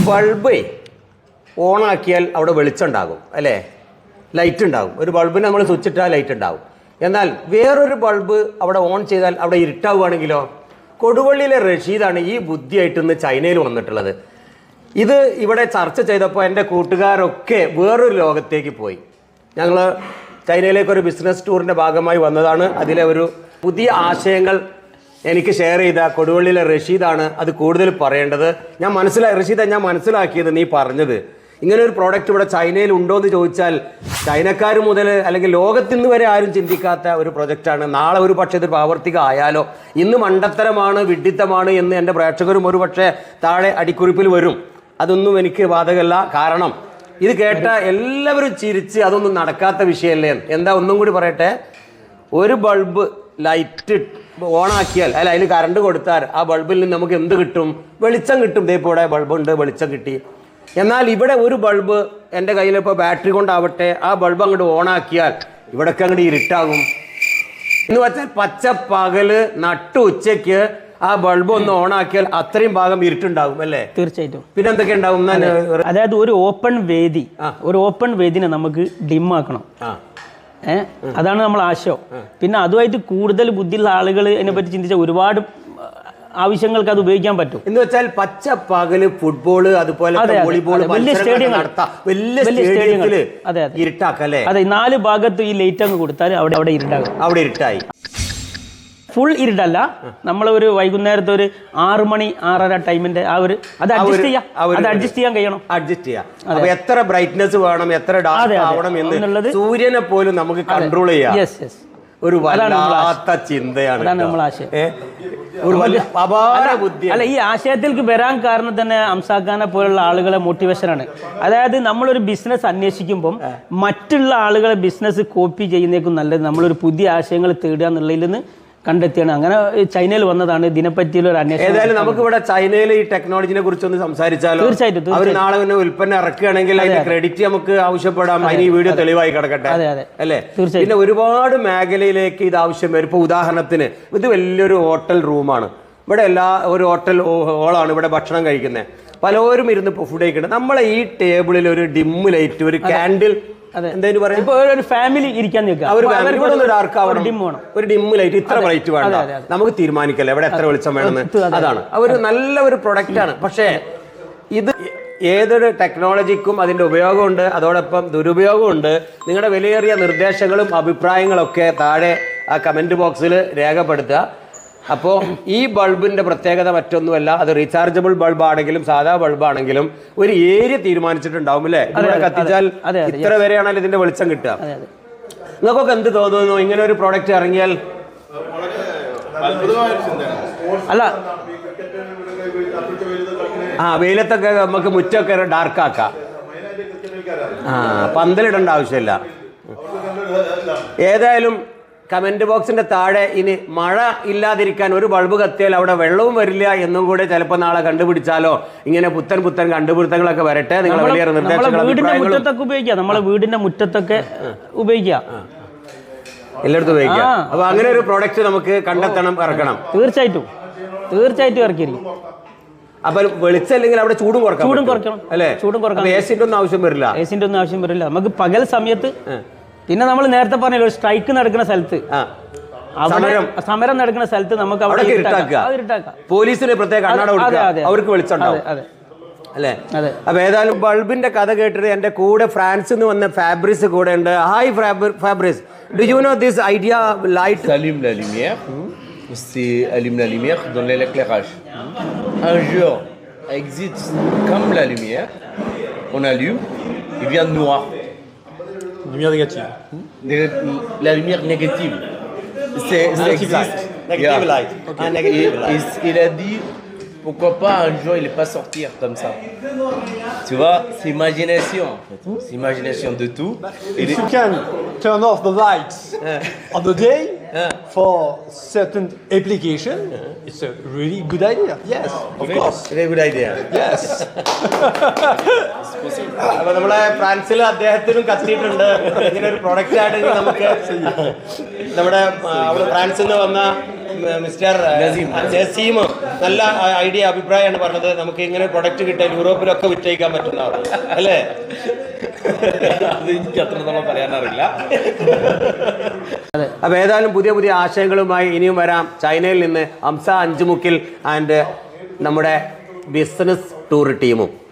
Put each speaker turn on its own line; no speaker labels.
Bulb ഓണാക്കിയാൽ അവിടെ വെളിച്ചം ഉണ്ടാകും അല്ലേ, ലൈറ്റ് ഉണ്ടാകും. ഒരു ബൾബിന് നമ്മൾ സ്വിച്ച് ഇട്ടാൽ ലൈറ്റ് ഉണ്ടാകും. എന്നാൽ വേറൊരു ബൾബ് അവിടെ ഓൺ ചെയ്താൽ അവിടെ ഇരുട്ടാവുകയാണെങ്കിലോ? കൊടുവള്ളിയിലെ റഷീദാണ് ഈ ബുദ്ധിയായിട്ട് ഇന്ന് ചൈനയിൽ വന്നിട്ടുള്ളത്. ഇത് ഇവിടെ ചർച്ച ചെയ്തപ്പോൾ എൻ്റെ കൂട്ടുകാരൊക്കെ വേറൊരു ലോകത്തേക്ക് പോയി. ഞങ്ങൾ ചൈനയിലേക്കൊരു ബിസിനസ് ടൂറിൻ്റെ ഭാഗമായി വന്നതാണ്. അതിലെ ഒരു പുതിയ ആശയങ്ങൾ എനിക്ക് ഷെയർ ചെയ്ത കൊടുവള്ളിയിലെ റഷീദാണ് അത് കൂടുതൽ പറയേണ്ടത്. റഷീദ, ഞാൻ മനസ്സിലാക്കിയത് നീ പറഞ്ഞത് ഇങ്ങനെ ഒരു പ്രോഡക്റ്റ് ഇവിടെ ചൈനയിൽ ഉണ്ടോ എന്ന് ചോദിച്ചാൽ ചൈനക്കാർ മുതൽ അല്ലെങ്കിൽ ലോകത്തിന്ന് വരെ ആരും ചിന്തിക്കാത്ത ഒരു പ്രൊജക്റ്റാണ്. നാളെ ഒരു പക്ഷേ ഇത് പ്രാവർത്തികം ആയാലോ? ഇന്ന് മണ്ടത്തരമാണ്, വിഡ്ഢിത്തമാണ് എന്ന് എൻ്റെ പ്രേക്ഷകരും ഒരു പക്ഷേ താഴെ അടിക്കുറിപ്പിൽ വരും. അതൊന്നും എനിക്ക് ബാധകമല്ല. കാരണം ഇത് കേട്ട എല്ലാവരും ചിരിച്ച് അതൊന്നും നടക്കാത്ത വിഷയമല്ലേ. എന്താ ഒന്നും കൂടി പറയട്ടെ. ഒരു ബൾബ് ലൈറ്റ് ഓണാക്കിയാൽ അതിൽ കറണ്ട് കൊടുത്താൽ ആ ബൾബിൽ നിന്ന് നമുക്ക് എന്ത് കിട്ടും? വെളിച്ചം കിട്ടും. ഇതേപോലെ ഇവിടെ ബൾബുണ്ട്, വെളിച്ചം കിട്ടി. എന്നാൽ ഇവിടെ ഒരു ബൾബ് എൻ്റെ കയ്യിലിപ്പോൾ ബാറ്ററി കൊണ്ടാവട്ടെ, ആ ബൾബ് അങ്ങോട്ട് ഓണാക്കിയാൽ ഇവിടൊക്കെ അങ്ങോട്ട് ഇരുട്ടാകും. എന്ന് വെച്ചാൽ പച്ച പകല് നട്ടു ഉച്ചയ്ക്ക് ആ ബൾബ് ഒന്ന് ഓണാക്കിയാൽ അത്രയും ഭാഗം ഇരുട്ടുണ്ടാകും അല്ലേ?
തീർച്ചയായിട്ടും.
പിന്നെ എന്തൊക്കെ ഉണ്ടാവും?
അതായത് ഒരു ഓപ്പൺ വേദിനെ നമുക്ക് ഡിം ആക്കണം. അതാണ് നമ്മൾ ആശയം. പിന്നെ അതുമായിട്ട് കൂടുതൽ ബുദ്ധിയുള്ള ആളുകൾ അതിനെപ്പറ്റി ചിന്തിച്ച ഒരുപാട് ആവശ്യങ്ങൾക്ക് അത് ഉപയോഗിക്കാൻ പറ്റും.
എന്ന് വെച്ചാൽ പച്ച പകല് ഫുട്ബോള് അതുപോലെ വോളിബോൾ
വലിയ സ്റ്റേഡിയങ്ങൾ
ഇരുട്ടാക്കല്ലേ?
അതെ, 4 ഭാഗത്ത് ഈ ലൈറ്റ് അങ്ങ് കൊടുത്താൽ അവിടെ ഇരുട്ടാകും.
അവിടെ ഇരുട്ടായി.
ഫുൾ ഇരുട്ടല്ല, നമ്മൾ ഒരു വൈകുന്നേരത്തെ ഒരു 6 മണി 6:30 ടൈമിന്റെ അത് അഡ്ജസ്റ്റ് ചെയ്യാൻ കഴിയണം.
അഡ്ജസ്റ്റ് ചെയ്യാം. അപ്പൊ എത്ര ബ്രൈറ്റ്നസ് വേണം, എത്ര ഡാർക്ക് ആവണം എന്നുള്ളത് സൂര്യനെ പോലും നമുക്ക് കൺട്രോൾ ചെയ്യാം. ഒരു വല്ലാത്ത ചിന്തയാണ്.
അല്ല, ഈ ആശയത്തിലേക്ക് വരാൻ കാരണം തന്നെ അംസാഖാനെ പോലുള്ള ആളുകളെ മോട്ടിവേഷനാണ്. അതായത് നമ്മളൊരു ബിസിനസ് അന്വേഷിക്കുമ്പം മറ്റുള്ള ആളുകളെ ബിസിനസ് കോപ്പി ചെയ്യുന്നേക്കും നല്ലത് നമ്മളൊരു പുതിയ ആശയങ്ങൾ തേടുക എന്നുള്ളതിൽ നിന്ന് കണ്ടെത്തിയാണ്. അങ്ങനെ ചൈനയിൽ വന്നതാണ് ഇതിനെപ്പറ്റിയുള്ള ഒരു അന്വേഷണം.
ഏതായാലും നമുക്ക് ഇവിടെ ചൈനയിൽ ഈ ടെക്നോളജിനെ കുറിച്ചൊന്ന് സംസാരിച്ചാലോ?
തീർച്ചയായിട്ടും.
അവർ നാളെ തന്നെ ഉൽപ്പന്നം ഇറക്കുകയാണെങ്കിൽ അതിന്റെ ക്രെഡിറ്റ് നമുക്ക് ആവശ്യപ്പെടാം. അതിന് ഈ വീഡിയോ തെളിവായി കിടക്കട്ടെ അല്ലേ? പിന്നെ ഒരുപാട് മേഖലയിലേക്ക് ഇത് ആവശ്യം വരും. ഇപ്പൊ ഉദാഹരണത്തിന് ഇത് വലിയൊരു ഹോട്ടൽ റൂമാണ്. ഇവിടെ ഒരു ഹോട്ടൽ ഹോളാണ്. ഇവിടെ ഭക്ഷണം കഴിക്കുന്നത്. പലരും ഇരുന്ന് ഫുഡ് കഴിക്കുന്നത്. നമ്മളെ ഈ ടേബിളിൽ ഒരു ഡിം ലൈറ്റ്, ഒരു കാൻഡിൽ,
ഒരു ഫാമിലി ഇരിക്കാൻ
ഒരു ഡിം ലൈറ്റ്, ഇത്ര ബ്രൈറ്റ് വേണ്ട, നമുക്ക് തീരുമാനിക്കല്ലേ എവിടെ എത്ര വെളിച്ചം വേണമെന്ന്. അതാണ് ഒരു നല്ല ഒരു പ്രൊഡക്റ്റ് ആണ്. പക്ഷേ ഇത് ഏതൊരു ടെക്നോളജിക്കും അതിൻ്റെ ഉപയോഗമുണ്ട്, അതോടൊപ്പം ദുരുപയോഗമുണ്ട്. നിങ്ങളുടെ വിലയേറിയ നിർദ്ദേശങ്ങളും അഭിപ്രായങ്ങളൊക്കെ താഴെ ആ കമൻറ്റ് ബോക്സിൽ രേഖപ്പെടുത്തുക. അപ്പോൾ ഈ ബൾബിൻ്റെ പ്രത്യേകത മറ്റൊന്നുമല്ല, അത് റീചാർജബിൾ ബൾബാണെങ്കിലും സാധാ ബൾബാണെങ്കിലും ഒരു ഏരിയ തീരുമാനിച്ചിട്ടുണ്ടാവും അല്ലേ? ഇവിടെ കത്തിച്ചാൽ ഇത്ര വരെയാണല്ലോ ഇതിന്റെ വെളിച്ചം കിട്ടുക. നിങ്ങൾക്കൊക്കെ എന്ത് തോന്നുന്നു ഇങ്ങനെ ഒരു പ്രോഡക്റ്റ് ഇറങ്ങിയാൽ?
അല്ല,
വെയിലത്തൊക്കെ നമുക്ക് മുറ്റൊക്കെ ഡാർക്കാക്കാം. പന്തലിടേണ്ട ആവശ്യമില്ല. ഏതായാലും കമൻറ്റ് ബോക്സിൻ്റെ താഴെ ഇനി മഴ ഇല്ലാതിരിക്കാൻ ഒരു ബൾബ് കത്തിയാൽ അവിടെ വെള്ളവും വരില്ല എന്നും കൂടെ ചിലപ്പോൾ നാളെ കണ്ടുപിടിച്ചാലോ. ഇങ്ങനെ പുത്തൻ കണ്ടുപിടുത്തങ്ങളൊക്കെ വരട്ടെ. നിങ്ങൾ വലിയ
നിർദ്ദേശങ്ങൾ നമ്മളെ വീടിന്റെ മുറ്റത്തൊക്കെ ഉപയോഗിക്കാം,
എല്ലായിടത്തും ഉപയോഗിക്കാം. അപ്പൊ അങ്ങനെ ഒരു പ്രോഡക്റ്റ് നമുക്ക് കണ്ടെത്തണം, ഇറക്കണം.
തീർച്ചയായിട്ടും ഇറക്കിയിരിക്കും.
അപ്പൊ വെളിച്ചല്ലെങ്കിൽ അവിടെ ചൂടും കുറക്കണം അല്ലേ?
ചൂടും കുറക്കണം.
എസിന്റെ ഒന്നും ആവശ്യം വരില്ല.
നമുക്ക് പകൽ സമയത്ത്. പിന്നെ നമ്മൾ നേരത്തെ പറഞ്ഞല്ലോ, സ്ട്രൈക്ക് നടക്കുന്ന സ്ഥലത്ത്, സമരം നടക്കുന്ന സ്ഥലത്ത് നമുക്ക് അവിടെ ഇരുട്ടാക്കാം.
പോലീസിന് പ്രത്യേക കണ്ണട കൊടുക്കുക, അവർക്ക് വെളിച്ചമുണ്ടാവും അല്ലേ? അപ്പൊ ഏതായാലും ബൾബിന്റെ കഥ കേട്ടിട്ട് എന്റെ കൂടെ ഫ്രാൻസിൽ നിന്ന് വന്ന ഫാബ്രിസ് കൂടെ ഉണ്ട്. Hi Fabrice, do you know this idea light?
Allume la lumière, c'est allume la lumière, donne l'éclairage. Un jour existe comme la lumière, on allume, il vient de noir.
Lumière négative.
La lumière négative. C'est
Negative light.
Okay. Negative light. Il a dit pourquoi pas un jour il n'est pas sortir comme ça. Tu vois, c'est imagination en fait. C'est imagination de tout.
If you can turn off the lights on the day for certain application, it's a really good idea. Yes, of course.
Very good idea.
Yes.
അപ്പൊ നമ്മളെ ഫ്രാൻസിൽ അദ്ദേഹത്തിനും കത്തിയിട്ടുണ്ട് ഇങ്ങനെ ഒരു product ആയിട്ട്. നമുക്ക് നമ്മുടെ ഫ്രാൻസിൽ നിന്ന് വന്ന മിസ്റ്റർ നസീം നല്ല ഐഡിയ അഭിപ്രായമാണ് പറഞ്ഞത്. നമുക്ക് ഇങ്ങനെ പ്രൊഡക്റ്റ് കിട്ടാൻ യൂറോപ്പിലൊക്കെ വിറ്റയിക്കാൻ പറ്റുന്നതാണ് അല്ലേ?
അത് എനിക്ക് അത്രത്തോളം പറയാനറിയില്ല.
അപ്പൊ ഏതായാലും പുതിയ പുതിയ ആശയങ്ങളുമായി ഇനിയും വരാം. ചൈനയിൽ നിന്ന് ഹംസ അഞ്ചുമുക്കിൽ ആൻഡ് നമ്മുടെ ബിസിനസ് ടൂർ ടീമും.